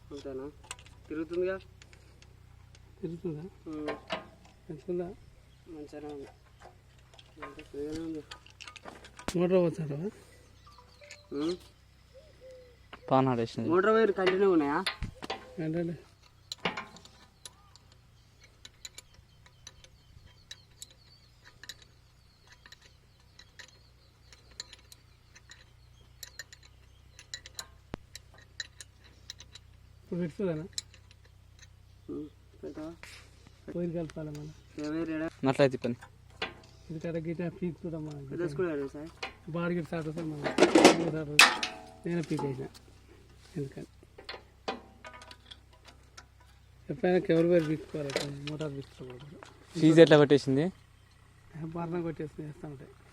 అంతేనా? తిరుగుతుందిగా? తిరుగుతుందా? మంచిగా మంచిగానే ఉంది. అంతే ఫ్రీగానే ఉంది. మోటార్ వచ్చారా? మోటార్ వైర్ కంటిన్యూ ఉన్నాయా? ఏంటంటే ఇప్పుడు పెట్టుకోలేనా? పోయి కలపాలి మన అట్లయితే పని ఇది కరెక్ట్ గిట్ట పీకుతుందాం సార్. బాడీ గిట్ట స్టార్ట్ అవుతుంది మన నేను పీక్ అయినా. ఎందుకని ఎప్పుడైనా ఎవరి పేరు పీక్కోవాలి, మోటార్ పీక్కోకూడదు. ఫీజు ఎట్లా కొట్టేసింది? బాగా కొట్టేసి వేస్తూ ఉంటాయి.